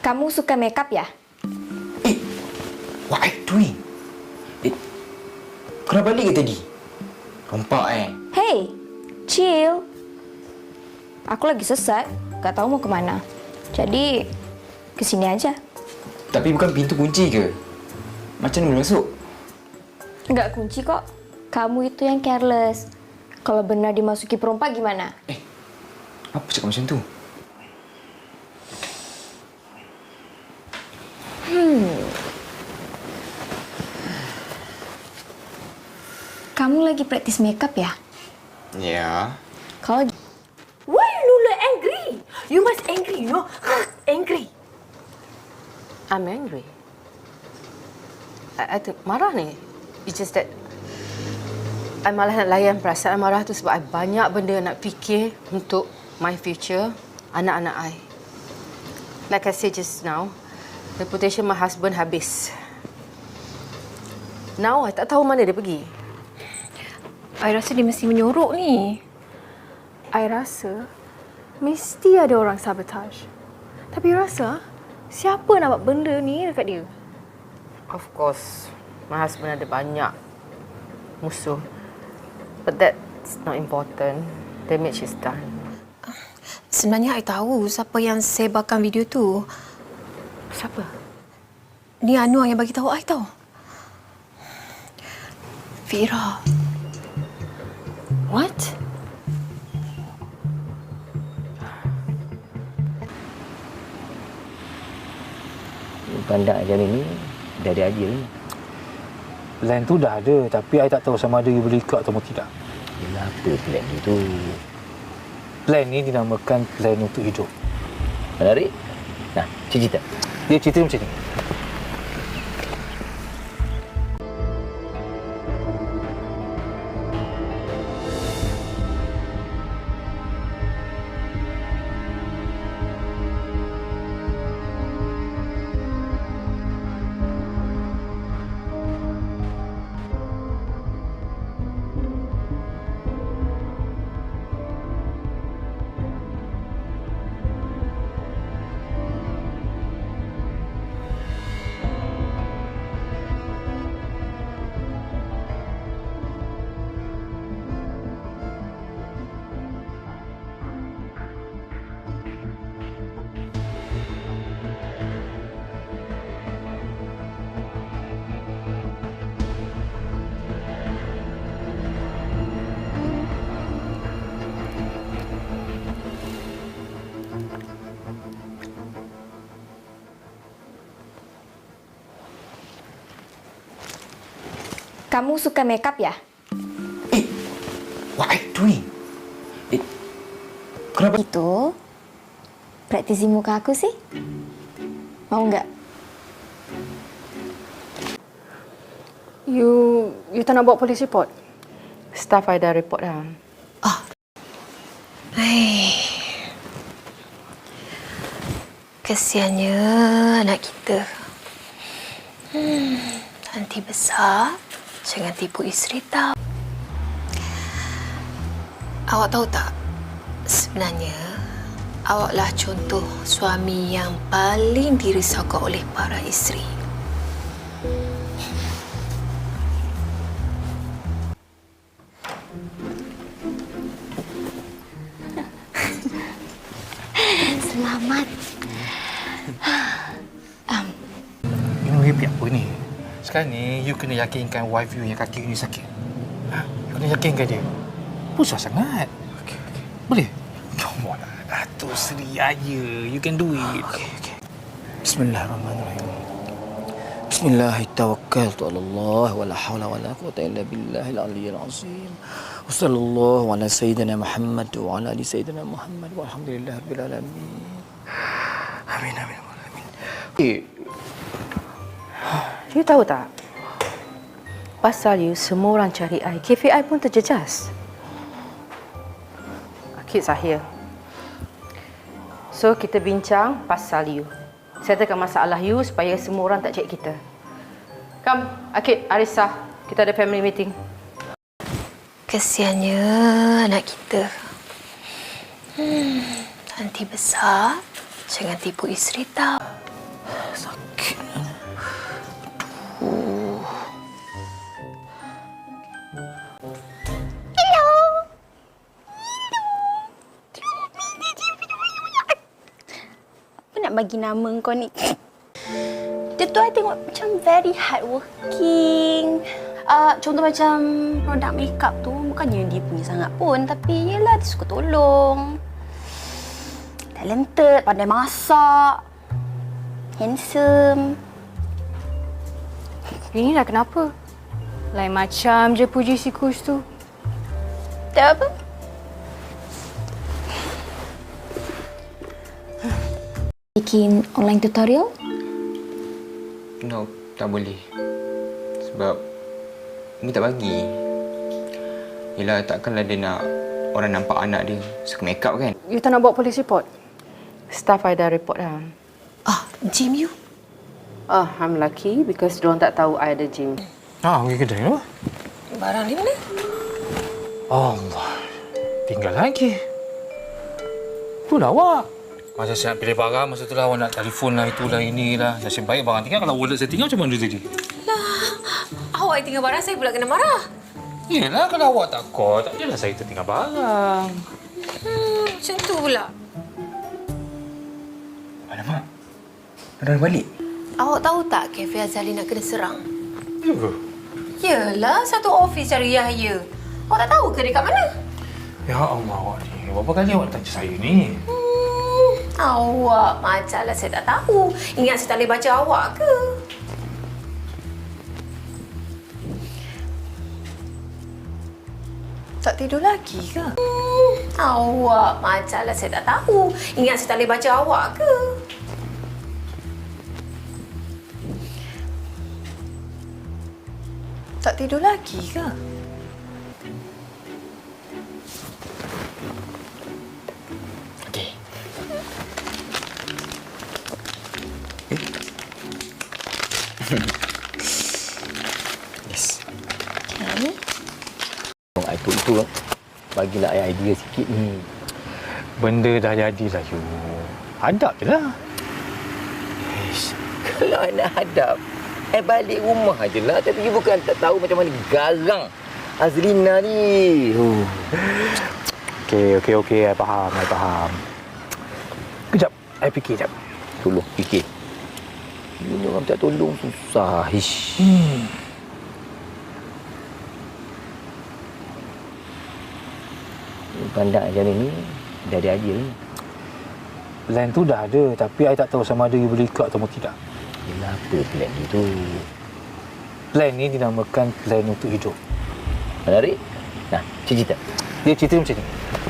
Kamu suka makeup ya? What are you doing? Kau dah balik ke tadi? Rompak Hey, chill. Aku lagi sesat, gak tahu mau kemana. Jadi, kesini aja. Tapi bukan pintu kunci ke? Macam mana boleh masuk? Nggak kunci kok. Kamu itu yang careless. Kalau benar dimasuki perompak gimana? Apa cakap macam tu? Kamu lagi praktis makeup ya? Ya. Kalau Why you look angry? You must angry, you know? Angry. I'm angry. I marah ni. It's just that I malah nak layan perasaan marah tu sebab I banyak benda nak fikir untuk my future, anak-anak I. Like I said just now, reputation my husband habis. Now I tak tahu mana dia pergi. I rasa dia mesti menyorok ni. I rasa mesti ada orang sabotage. Tapi rasa siapa nak buat benda ni dekat dia? Of course, my husband ada banyak musuh. But that's not important. Damage is done. Sebenarnya I tahu siapa yang sebarkan video tu. Siapa? Ni Anwar yang bagi tahu I tahu. Fira. What? Pandang macam ni dah ada aja ni. Plan tu dah ada, tapi I tak tahu sama ada you boleh ikut atau tidak. Yelah, apa plan dia tu? Plan ni dinamakan plan untuk hidup. Menarik? Nah, cerita. Dia cerita macam ni. kamu suka makeup ya? What are you doing? Kenapa? Itu praktisi muka aku sih. Mau nggak? You tak nak buat police report? Staff I dah report dah. Kesiannya anak kita. Nanti besar, jangan tipu isteri tahu. Awak tahu tak, sebenarnya awaklah contoh suami yang paling dirisaukan oleh para isteri. Selamat. You happy apa ni? Sekarang ni, you kena yakinkan wife you yang kaki you ni sakit. You kena yakinkan dia. Susah sangat. Okay. Boleh? Come on lah. Datuk Seri aja. You can do it. Okay. Bismillahirrahmanirrahim. Bismillahirrahmanirrahim. Allah wa la hawla wa la quwwata illa billahil aliyyil azim. Wa sallallahu ala sayyidina Muhammad wa ala ali sayyidina Muhammad walhamdulillahirabbil alamin. Amin. You tahu tak? Pasal you, semua orang cari I. KPI pun terjejas. Kids are here. So, kita bincang pasal you. Settlekan masalah you supaya semua orang tak cek kita. Come, Akid, Arissa. Kita ada family meeting. Kesiannya anak kita. Nanti besar, jangan tipu isteri tahu. Apa nak bagi nama kau ni? Dia tu I tengok macam very hardworking. Contoh macam produk makeup tu bukannya dia punya sangat pun, tapi yelah dia suka tolong. Talented, pandai masak, handsome. Ini dah kenapa? Lain macam je puji si Kus tu. Tak apa. Bikin online tutorial? No, tak boleh. Sebab Umi tak bagi. Yelah, takkanlah dia nak orang nampak anak dia suka make up kan? You tak nak buat police report? Staff I dah report dah. Gym you? I'm lucky because diorang tak tahu I ada gym. Pergi kedai tu. Barang di mana? Allah. Tinggal lagi. Itulah awak. Masa saya nak pilih barang, masa tu lah awak nak telefon lah, itulah, inilah. Nasib baik barang tinggal. Kalau wallet saya tinggal, macam mana tadi? Awak tinggal barang saya pula kena marah. Yelah, kalau awak tak call, tak adalah saya tertinggal barang. Macam tu pula. Alamak. Dah balik. Awak tahu tak Cafe Azali nak kena serang? Ya ke? Yelah, satu ofis cari Yahya. Awak tak tahu ke dia kat mana? Ya Allah, awak ni. Berapa kali awak tanya saya ni? Awak macamlah saya tak tahu. Ingat saya tak boleh baca awak ke? Tak tidur lagi ke? Awak macamlah saya tak tahu. Ingat saya tak boleh baca awak ke? Tak tidur lagi ke? Okey. Yes. Tolong I put itu, bagilah I idea sikit ni. Benda dah jadilah, you. Hadap je lah. Kalau I nak hadap, I balik rumah je lah. Tapi you bukan tak tahu macam mana garang Azrina ni. Okey. I faham. Kejap. I fikir jap. Tolong fikir. Ini orang tak tolong susah. Ish. Pandang macam ni, dah ada idea ni. Plan tu dah ada, tapi I tak tahu sama ada you boleh ikut atau tidak. Yelah, apa plan dia tu? Plan ni dinamakan plan untuk hidup. Menarik? Nah, cerita. Dia cerita macam ni.